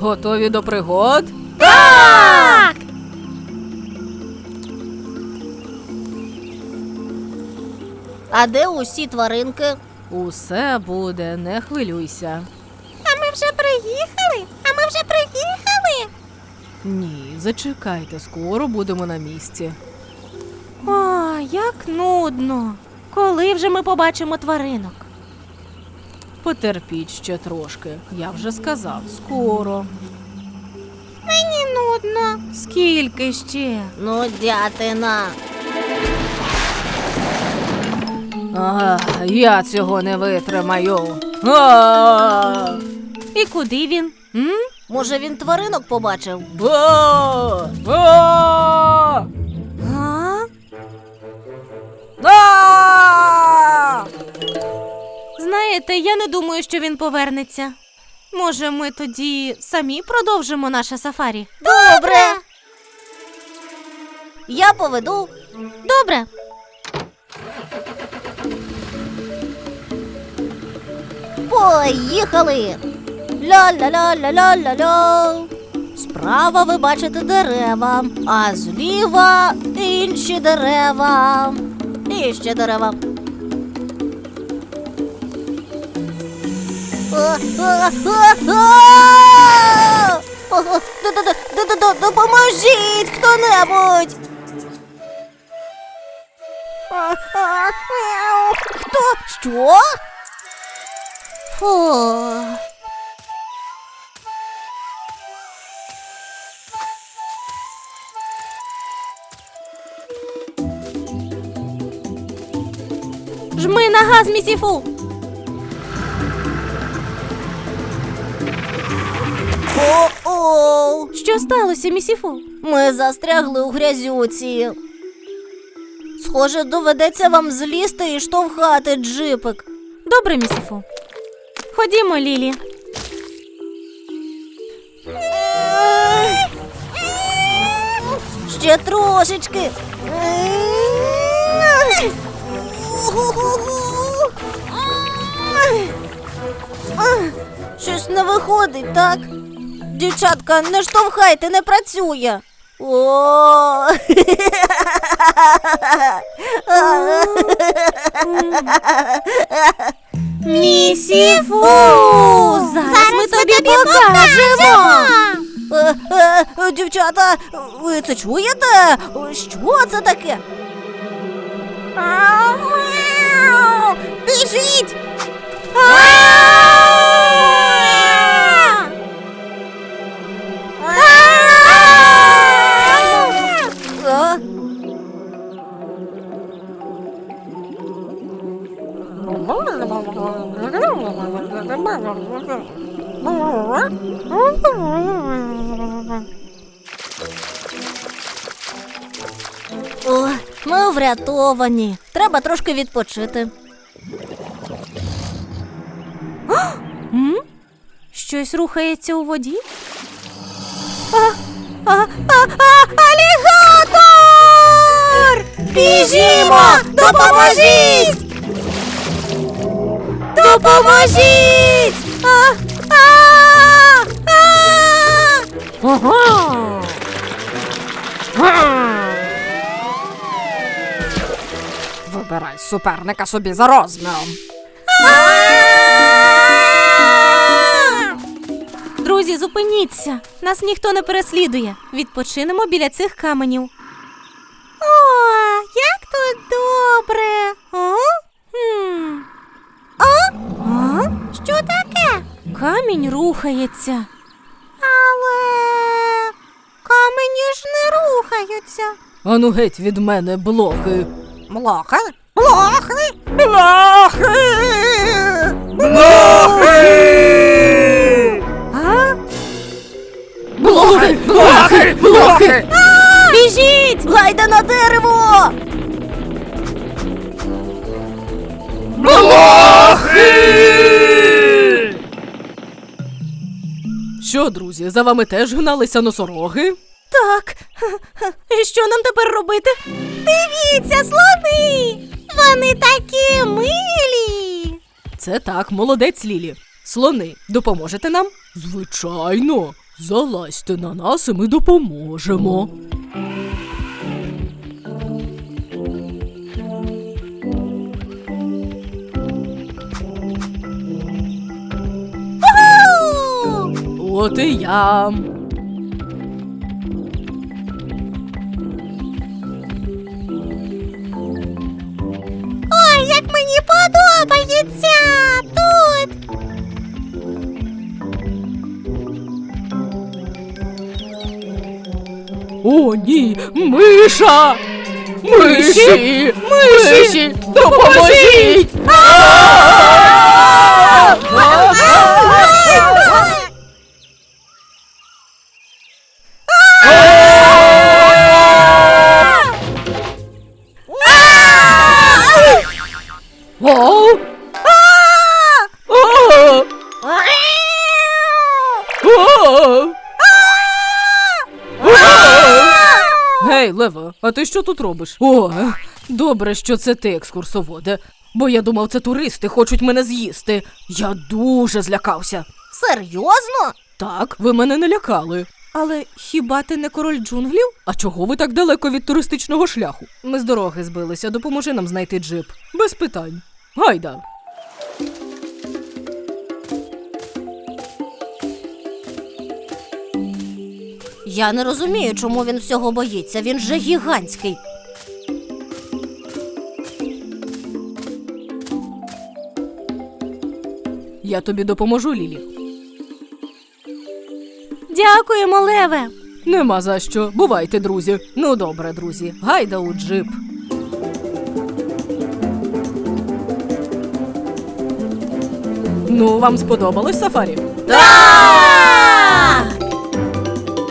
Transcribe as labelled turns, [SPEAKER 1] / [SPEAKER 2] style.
[SPEAKER 1] Готові до пригод?
[SPEAKER 2] Так! А де усі тваринки?
[SPEAKER 1] Усе буде, не хвилюйся.
[SPEAKER 2] А ми вже приїхали?
[SPEAKER 1] Ні, зачекайте, скоро будемо на місці.
[SPEAKER 2] О, як нудно. Коли вже ми побачимо тваринок?
[SPEAKER 1] Потерпіть ще трошки, я вже сказав, скоро.
[SPEAKER 2] Мені нудно.
[SPEAKER 1] Скільки ще?
[SPEAKER 2] Нудятина.
[SPEAKER 1] Я цього не витримаю.
[SPEAKER 2] І куди він? Може, він тваринок побачив? А? Знаєте, я не думаю, що він повернеться. Може, ми тоді самі продовжимо наше сафарі? Добре! Я поведу. Добре. Поїхали! Ля-ля-ля-ля-ля-ля-ля. Справа ви бачите дерева, а зліва інші дерева. І ще дерева. Допоможіть хто-небудь! Хто? Що? Фу. Жми на газ, місіфу! О-оу! Що сталося, місіфу? Ми застрягли у грязюці. Схоже, доведеться вам злізти і штовхати джипик. Добре, місіфу. Ходімо, Лілі. Ще трошечки. Щось не виходить, так? Дівчатка, не штовхайте, не працює. О! Місіфу! Зараз ми тобі покажемо! Дівчата, ви це чуєте? Що це таке? Біжіть! О, ми врятовані. Треба трошки відпочити. Щось рухається у воді? Алігатор! Біжімо! Допоможіть! Допоможіть!
[SPEAKER 1] Вибирай суперника собі за розміром.
[SPEAKER 2] Друзі, зупиніться. Нас ніхто не переслідує. Відпочинемо біля цих каменів. О, як тут добре. Що таке? Камінь рухається. Але камені ж не рухаються.
[SPEAKER 1] Ану геть від мене, блохи.
[SPEAKER 2] Блохи? Блохи?
[SPEAKER 1] Блохи!
[SPEAKER 2] Біжіть! Гайда на дерево!
[SPEAKER 1] Що, друзі, за вами теж гналися носороги?
[SPEAKER 2] Так. І що нам тепер робити? Дивіться, слони! Вони такі милі!
[SPEAKER 1] Це так, молодець, Лілі. Слони, допоможете нам? Звичайно, Залазьте на нас і ми допоможемо. От і я.
[SPEAKER 2] Ой, як мені подобається тут!
[SPEAKER 1] О, ні, миша! Миші! Миші! Допоможіть! О! О! О! Гей, Лева, а ти що тут робиш? О, добре, що це ти, екскурсоводе. Бо я думав, це туристи хочуть мене з'їсти. Я дуже злякався.
[SPEAKER 2] Серйозно?
[SPEAKER 1] Так, ви мене не лякали. Але хіба ти не король джунглів? А чого ви так далеко від туристичного шляху? Ми з дороги збилися, допоможи нам знайти джип. Без питань. Гайда.
[SPEAKER 2] Я не розумію, чому він всього боїться. Він же гігантський.
[SPEAKER 1] Я тобі допоможу, Лілі.
[SPEAKER 2] Дякуємо, Леве.
[SPEAKER 1] Нема за що. Бувайте, друзі. Ну добре, друзі. Гайда у джип. Ну, вам сподобалось сафарі?
[SPEAKER 2] Так!